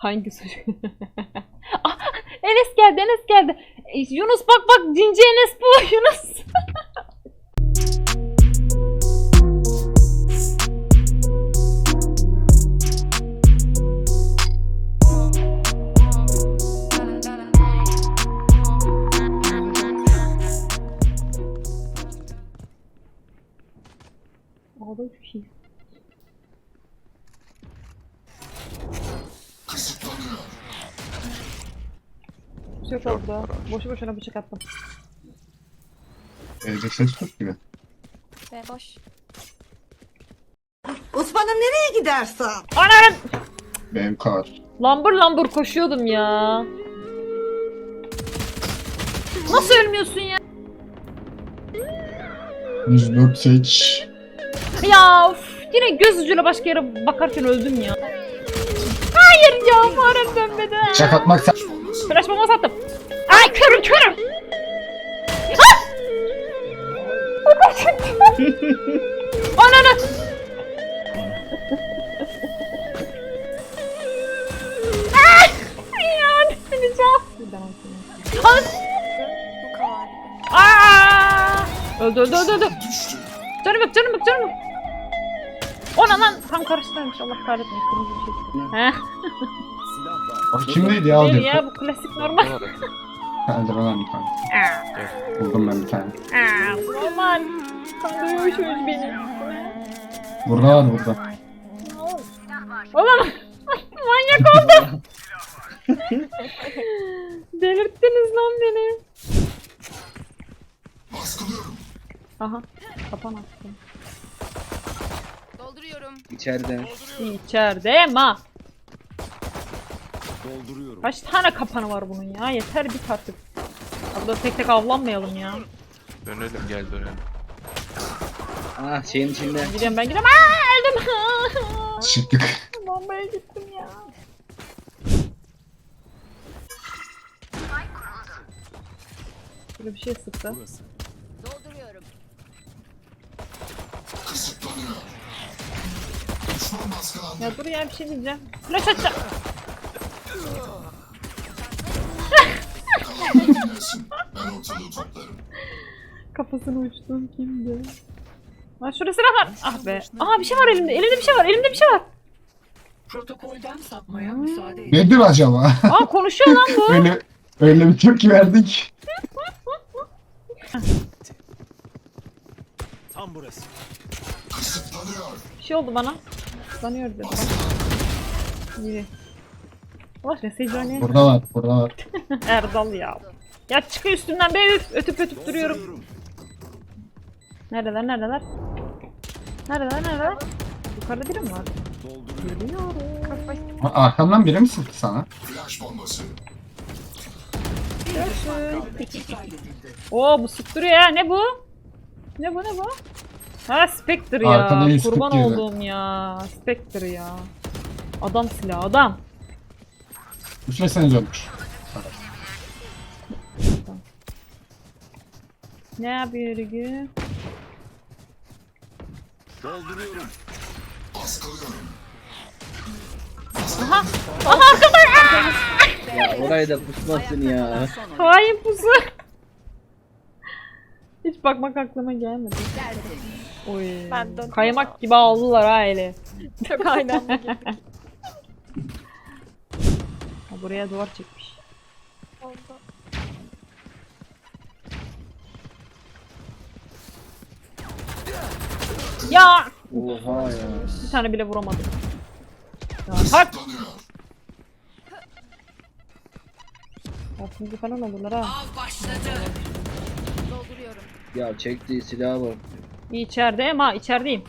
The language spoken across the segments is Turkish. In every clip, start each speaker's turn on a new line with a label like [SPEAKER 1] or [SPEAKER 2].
[SPEAKER 1] Hangi suç? Ah, Enes geldi, Enes geldi. Yunus bak bak, cinci Enes bu Yunus. Ağda çok iyi. Yok orada. Boşu boşuna bıçak attım.
[SPEAKER 2] Evde ses yok gibi.
[SPEAKER 3] Ve boş.
[SPEAKER 4] Osman'ım nereye gidersen?
[SPEAKER 1] Anam!
[SPEAKER 2] Benim kar.
[SPEAKER 1] Lambur lambur koşuyordum ya. Nasıl ölmüyorsun ya?
[SPEAKER 2] 104 seç.
[SPEAKER 1] Ya of, yine göz ucuyla başka yere bakarken öldüm ya. Hayır ya, farem dönmedi.
[SPEAKER 2] Çak atmak sen.
[SPEAKER 1] Flash bomba sattım. Ay körüm körüm. Ah! Ananı. Ah! Ya düşüreceğim. Al.
[SPEAKER 3] Bu kadar.
[SPEAKER 1] Aa! Öldü öldü öldü öldü. Canım yok canım yok canım yok. Ona lan tam karıştırmış, Allah kahretmeyin, kırmızı bir şey. Heh.
[SPEAKER 2] Bak kimdeydi ya
[SPEAKER 1] Değil
[SPEAKER 2] aldı.
[SPEAKER 1] ya, bu klasik normal.
[SPEAKER 2] Eldiven bir tane.
[SPEAKER 1] Aa,
[SPEAKER 2] Buldum ben bir tane.
[SPEAKER 1] normal. Kandırıyorsunuz beni.
[SPEAKER 2] Burada var burada.
[SPEAKER 1] Oğlum manyak oldum. Delirttiniz lan beni. Aha, kapan attım.
[SPEAKER 3] Dolduruyorum.
[SPEAKER 5] İçeride.
[SPEAKER 1] İçeride ma.
[SPEAKER 6] Dolduruyorum.
[SPEAKER 1] Kaç tane kapanı var bunun ya? Yeter bit artık. Burada tek tek avlanmayalım ya.
[SPEAKER 6] Dönelim, gel dönelim.
[SPEAKER 5] Ah şeyin içinde.
[SPEAKER 1] Gidiyorum ben gidiyorum. Aa, öldüm.
[SPEAKER 2] Çıktık.
[SPEAKER 1] Bombaya gittim ya. Böyle bir şey sıktı.
[SPEAKER 6] Burası.
[SPEAKER 3] Dolduruyorum.
[SPEAKER 1] Ya dur ya, bir şey diyeceğim. Flash atacağım. Kafasını uçtum kimdi? Lan şurada silah var. Ah be. Aa, bir şey var elimde. Elimde bir şey var. Elimde bir şey var.
[SPEAKER 4] Protokolden sapmaya müsaade edin.
[SPEAKER 2] Nedir acaba?
[SPEAKER 1] Aa, konuşuyor lan bu.
[SPEAKER 2] öyle bir tepki verdik.
[SPEAKER 6] Tam burası.
[SPEAKER 1] Bir şey oldu bana. Sanıyor dedi. İyi. Allah reseycani.
[SPEAKER 2] Burada var, burada var.
[SPEAKER 1] Erdal ya. Ya çıkıyor üstümden be, üf, ötüp ötüp duruyorum. Neredeler neredeler? Neredeler? Yukarıda biri mi var?
[SPEAKER 6] Dolduruyorum.
[SPEAKER 1] Geliyorum.
[SPEAKER 2] Arkamdan biri mi sıktı sana?
[SPEAKER 1] Oo, bu sıktırıyor ya. Ne bu? Ne bu? Ha, Spectre ya.
[SPEAKER 2] Arkada yüz
[SPEAKER 1] Kurban
[SPEAKER 2] kırk girdi.
[SPEAKER 1] olduğum ya. Spectre ya. Adam silahı adam.
[SPEAKER 2] Üfleseniz ölmüş.
[SPEAKER 1] Ne yapıyor Rügü?
[SPEAKER 6] Dolduruyorum.
[SPEAKER 1] Aha arkada.
[SPEAKER 5] Ya orayı da pusmasın ya.
[SPEAKER 1] Hain pusu. Hiç bakmak aklıma gelmedi. Oy.
[SPEAKER 3] Ben döndüm.
[SPEAKER 1] Kaymak gibi aldılar ha eli.
[SPEAKER 3] Çok aynen.
[SPEAKER 1] Ha, buraya duvar çekmiş.
[SPEAKER 3] Oldu.
[SPEAKER 1] Ya
[SPEAKER 5] Oha ya.
[SPEAKER 1] bir tane bile vuramadım. Ya tak. Altıncı falan olurlar ha.
[SPEAKER 3] Dolduruyorum.
[SPEAKER 5] Ya çektiği silaha bak.
[SPEAKER 1] İçeride ama içerideyim.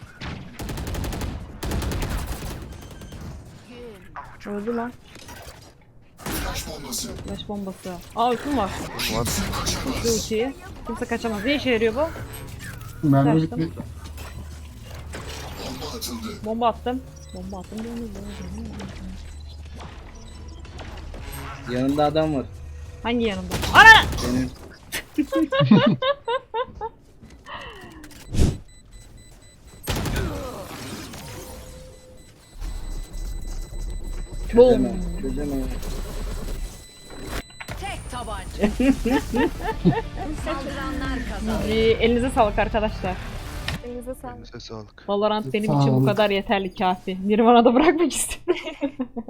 [SPEAKER 1] Öldü lan. Flash bombası. Aa, ultim var.
[SPEAKER 6] Var.
[SPEAKER 1] Ulti ultiyi. Kimse kaçamaz. Ne işe yarıyor bu?
[SPEAKER 2] Mermi
[SPEAKER 1] Kaçtım.
[SPEAKER 2] bitti.
[SPEAKER 1] Bomba attım.
[SPEAKER 5] Yanında adam var.
[SPEAKER 1] Hangi yanımda? Ana!
[SPEAKER 5] Senin.
[SPEAKER 1] Boom.
[SPEAKER 5] Çözemem. Beklesene.
[SPEAKER 3] Tek tabanca. Saldıranlar kazandı.
[SPEAKER 1] Elinize sağlık arkadaşlar.
[SPEAKER 3] Elinize sağlık.
[SPEAKER 6] Elinize sağlık.
[SPEAKER 1] Valorant benim
[SPEAKER 2] Sağ
[SPEAKER 1] için bu
[SPEAKER 2] olun.
[SPEAKER 1] kadar yeterli kafi. Nirvana'da bırakmak istedim.